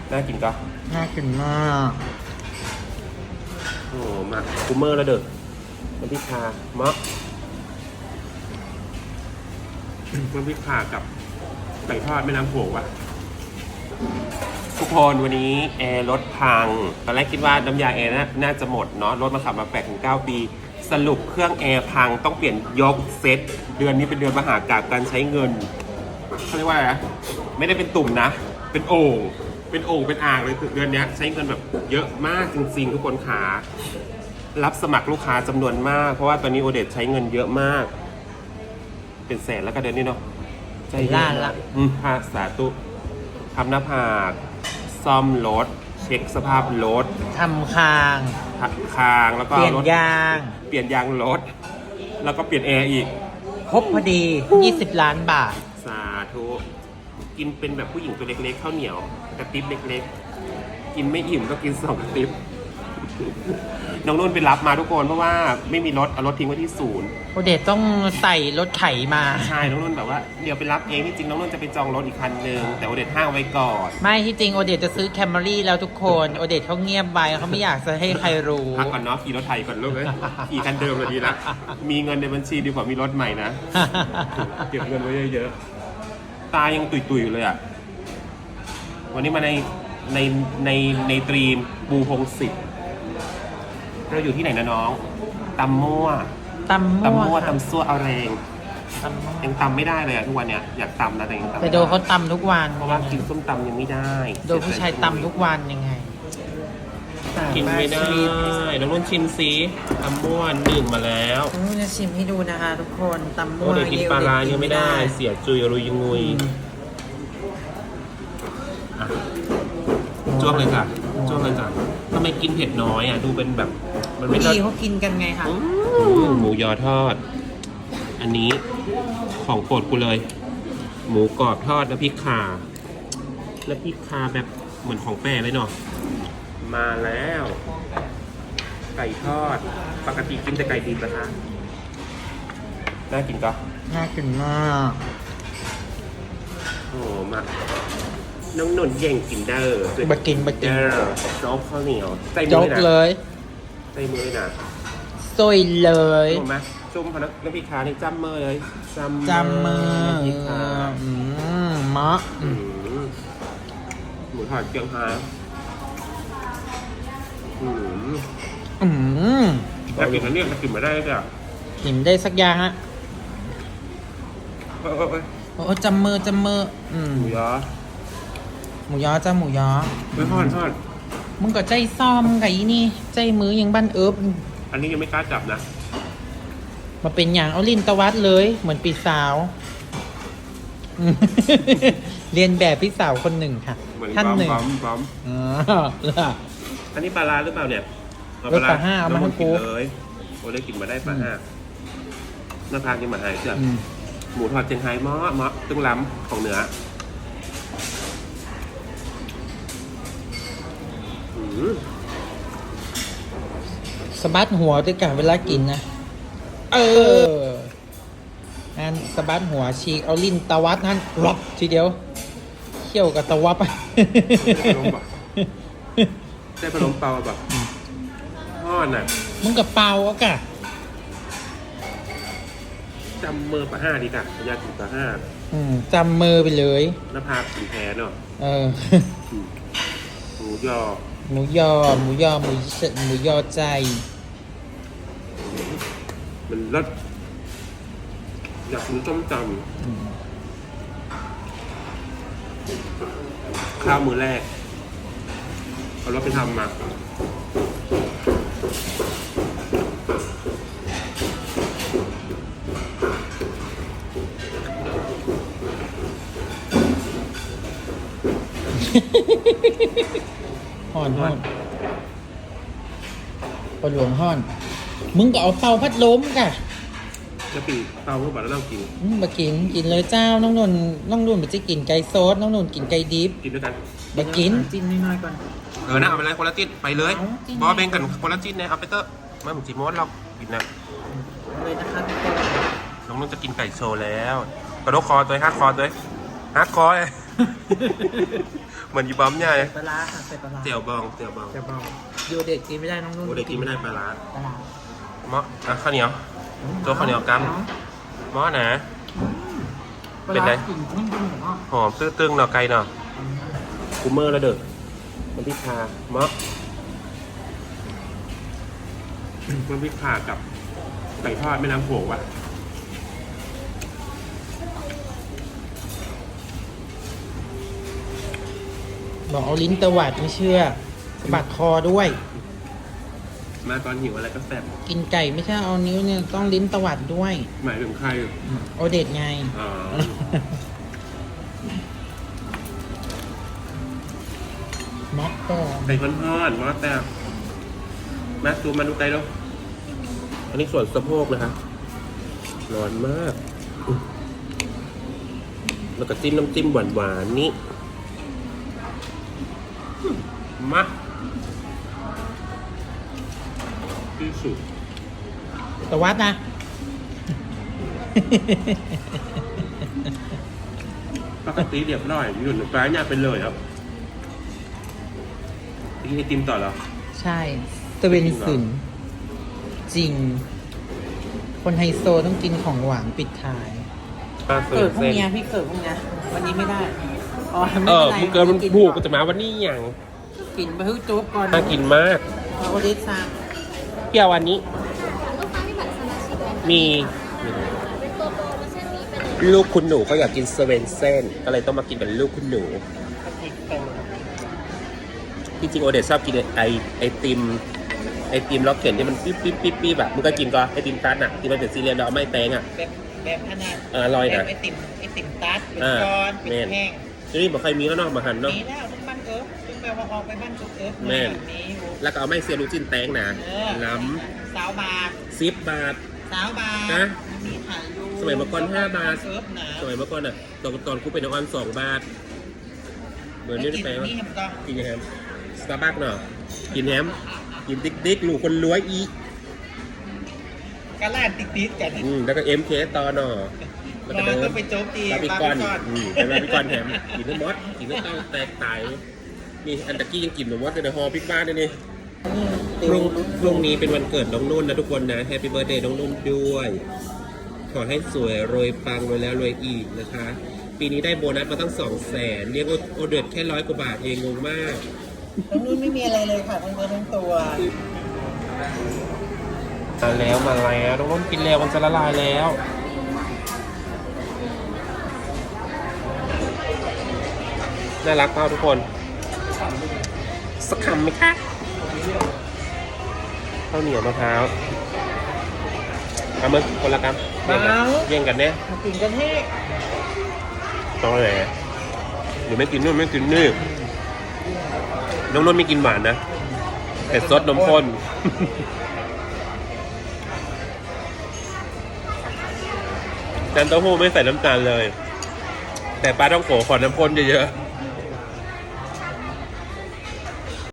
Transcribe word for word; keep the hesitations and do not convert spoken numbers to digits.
น่ากินก็น่ากินมากโอ้มาคูเมอร์แล้วเด้อน้ำพริกคาเมาะน้ำพริกคากับไก่ทอดแม่น้ำโขงว่ะทุกคนวันนี้แอร์รถพังตอนแรกคิดว่าน้ำยาแอร์น่าจะหมดเนาะรถมาขับมาแปดถึงเก้าปีสรุปเครื่องแอร์พังต้องเปลี่ยนยกเซตเดือนนี้เป็นเดือนมหากาพย์การใช้เงินเขาเรียกว่าอะไรนะไม่ได้เป็นตุ่มนะเป็นโอ่งเป็นโอ่งเป็นอ่างเลยเดือนนี้ใช้เงินแบบเยอะมากจริงๆทุกคนขารับสมัครลูกค้าจำนวนมากเพราะว่าตอนนี้โอเดตใช้เงินเยอะมากเป็นแสนแล้วก็เดือนนี้เนาะใช่ล้านละอืมภาษาตุทำหน้าผากซ่อมรถเช็คสภาพรถทำคางคางแล้วก็เปลี่ยนยางเปลี่ยนยางรถแล้วก็เปลี่ยนแอร์อีกครบพอดียี่สิบล้านบาทสาธุกินเป็นแบบผู้หญิงตัวเล็กๆข้าวเหนียวกระติบเล็กๆกินไม่อิ่มก็กินสองกระติบน้องนุ่นไปรับมาทุกคนเพราะว่าไม่มีรถเอารถทิ้งไว้ที่ศูนย์โอเดตต้องใส่รถไถมาใช่น้องนุ่นแบบว่าเดี๋ยวไปรับเองที่จริงน้องนุ่นจะไปจองรถอีกคันหนึ่งแต่โอเดตห้างไว้ก่อนไม่ที่จริงโอเดตจะซื้อแคมรี่แล้วทุกคนโอเดตเขาเงียบไปเขาไม่อยากจะให้ใครรู้พักก่อนเนาะขี่รถไถก่อนลูกเลยขี่คันเดิมเลยดีละมีเงินในบัญชีดีกว่ามีรถใหม่นะเก็บเงินไว้เยอะๆตายังตุยๆอยู่เลยอ่ะวันนี้มาในในในในตรีมบูพงศิษฐ์เราอยู่ที่ไหนนะน้องตำมั่วตำมั่วตำมั่วตำซั่วเอาแรงยังตำไม่ได้เลยอะทุกวันเนี้ยอยากตำนะแต่ยังตำแต่โดเขาตำทุกวันเพราะว่ากินส้มตำยังไม่ได้โดผู้ชายตำทุกวันยังไงกินไม่ได้น้องนุ่นชิมซีตำมั่วหนึ่งมาแล้วน้องนุ่นจะชิมให้ดูนะคะทุกคนตำมั่วเดี๋ยวกินปลาร้ายังไม่ได้เสียจุยรุยงุยจ้วงเลยค่ะจ้วงเลยค่ะทำไมกินเผ็ดน้อยอ่ะดูเป็นแบบมันไม่ดีเขากินกันไงคะหมูยอทอดอันนี้ของโปรดกูเลยหมูกรอบทอดน้ำพริกข่าน้ำพริกข่าแบบเหมือนของแป้เลยเนาะมาแล้วไก่ทอดปกติกินแต่ไก่ดิบนะคะน่ากินก็น่ากินมากโอ้มาน้องนนท์เย่งกินเด้อบักกินบักกินโจ๊กข้าวเหนียวใจมือเลยใจมือนะซอยเลยถูกไหมจุ่มพนักน้ำพริกขาในจ้ำมือเลยจ้ำมือพริกขาอืมมะหมูทอดเกี๊ยวฮาอืมอืมแต่กินอันนี้จะกินไม่ได้จ้ะกินได้สักอย่างฮะโอ้จำมือจำมืออืมหมูยอหมูยอจ้าหมูยอไม่ทอดทอดมึงก็ใจซ้อมไงนี่ใจมือยังบ้านเอิบอันนี้ยังไม่กล้าจับนะมาเป็นอย่างเอาลิ้นตวัดเลยเหมือนปีสาวเรียนแบบพี่สาวคนหนึ่งค่ะท่านหนึ่งอ๋ออันนี้ปลาลาหรือเปล่าเนี่ยปลาห้าเอามาให้กูเลยโอ้เลยกินมาได้ปลาห้าหน้าพางกินมาหายเชื่อหมูทอดเชียงไฮ้ม้อม้อตึ้งล้ำของเหนือสะบัดหัวด้วยกันเวลากินนะเออนั่นสะบัดหัวฉีกเอาลิ้นตวัดนั่นรบทีเดียวเขี่ยวกับตวับได้พะโล้เปล่าแบบทอดน่ะมึงกับเปล่าอ่ะกะจำมือปลาห้าดีกะอยากกินปลาห้าจำมือไปเลยหน้าผากสีแทนเนาะเออหมูยอหมูยอหมูยอหมูเสหมูยอใจมันรสอยากกินส้มตำข้าวมือแรกเอารถไปทำมาห่อนห่อนปลาหลวงห่อนมึงก็เอาเตาพัดลมกะจะปีเตาเมื่อบ่ายแล้วเรากินมากินกินเลยเจ้าน้องนนน้องนุ่นมันจะกินไก่ซอสน้องนุ่นกินไก่ดิบกินด้วยกันมากินจิ้นน้อยๆก่อนเออนะเอาไปเลยคนละจิ้นไปเลยบอเบงกันคนละจิ้นเนี่ยเอาไปเตอร์มาเหมือนจีมอสเรากินนะเลยนะคะน้องนุ่นจะกินไก่โชว์แล้วกระโดดคอตัวฮักคอตัวฮักคอเลยเหมือนยีบอมใหญ่ปลาร้าค่ะใส่ปลาร้าเตี๋ยวบองเตี๋ยวบองจะบอกโยเด็กกินไม่ได้น้องนุ่นโอ้เด็กกินไม่ได้ปลาร้าปลาร้าหม้ออ่ะข้าวเหนียว ตัวข้าวเหนียวกำหม้อนะ เป็นไงกลิ่นนุ่มๆของพ่อหอมตื้อตึงเนาะไก่เนาะกูเมอร์แล้วเด้อมันพริกคาหม้อมันพริกคากับไก่ทอดแม่น้ำโขงว่ะบอกเอาลิ้นตวัดไม่เชื่อสะบัดคอด้วยมาตอนหิวอะไรก็แซ่บกินไก่ไม่ใช่เอานิ้วเนี่ยต้องลิ้นตวัดด้วยหมายถึงใครโอเด็ดไงอ๋อม็อกต่อไก่ทอดๆหม้อแซ่บมาซูมมาดูไก่ดูอันนี้ส่วนสะโพกนะคะร้อนมากอุ๊ยแล้วก็จิ้มน้ำจิ้มหวานๆนี่มาที่สุดตวัดนะปกติเรียบร้อยหยุ่นปลายเนี่ยเป็นเลยครับกินไอติมต่อเหรอใช่ตะเวนสึนจริง คนไฮโซต้องกินของหวานปิดท้ายปลาเสิเกิร์ดฟพรุ่งเส้นนี้พี่เกิดพรุ่งนี้วันนี้ไม่ได้อ๋อไม่เอเป็นอไรมึงเกินมันผูกก็จะมาวันนี้อย่างกินไปฮึ่โจ๊กก่อนน่ากินมากเอาโอเดสซ่าเปรี้ยววันนี้ลูกค้ามีบัตรสมาชิกไหมมีเป็นตัวโปรโมชั่นนี้เป็นลูกคุณหนูเขาอยากกินสเวนเซนก็เลยต้องมากินเป็นลูกคุณหนูจริงๆโอเดชชอบกินไอไอติมไอติมล็อกเก็ตที่มันปิ๊บปิ๊บปิ๊บปิ๊บแบบมึงก็กินก็ไอติมตันอ่ะที่มันเป็นซีเรียลแล้วเอาไม่แตงอ่ะแบบแบบขนาดเอออร่อยนะแบบไอติมไอติมตัดเป็นอ่าก้อนเป็นแม่นแห้งที่นี่บอกใครมีแล้วเนาะมาหันเนาะมีแล้วทุกบ้านเอิร์ฟทุกแบบว่าออกไปบ้านทุกเอิร์ฟแม่นแบบนี้อยู่แล้วก็เอาไม่เซียรูจินแตงนะเออล้สาวบาทำสิบบาทสาวบาทนะมีขายอยู่สมัยเมื่อก่อนห้าบาทเอิร์ฟนะสมัยเมื่อก่อนอ่ะตอนตอนกูเป็นน้องออนสองบาทเหมือนนี่ได้ไปแล้วว่ากินนี่เห็นต้องกินยังไงสตาร์บัคเนาะกินแฮมกินติ๊กติ๊กลูกคนรวยอีกกระลาดติ๊ดๆกันอืมแล้วก็เอ็มเคต่อเนาะแล้วก็เราเดิก็นไปโจ๊กตีบาร์บีคอนบาร์อืมเป็นบาร์บีคอนแฮมกินทั้งหมดกินทั้งเต้าแตกตายนี่อันตะกี้ยังกินหนูว่าในฮอพิกบ้านเลยนี่พรุ่งพรุ่งนี้เป็นวันเกิดน้องนุ่นนะทุกคนนะแฮปปี้เบิร์ดเดย์น้องนุ่นด้วย ขอให้สวยรวยปังรวยแล้วรวยอีกนะคะ ปีนี้ได้โบนัสมาตั้งสองแสนเรียกว่าโอเดือดแค่ร้อยกว่าบาทเองงงมากทั้งนู้นไม่มีอะไรเลยค่ะทั้งเนื้อทั้งตัวมาแล้วมาแล้วน้องนุ่นกินแล้วมันจะละลายแล้วน่ารักเปล่าทุกคนสักคำไหมคะข้าวเหนียวมะพร้าวเอามือคนละคำแย่งกันแย่งกันเนี่ยมากินกันให้ต้องอะไรหรือไม่กินนู่นไม่กินนี่น้องนุ่นไม่กินหวานนะแต่ซดนมข้นน้ำเต้าหู้ไม่ใส่น้ำตาลเลย แต่ปลาต้องโขขอน้ำข้นเยอะๆ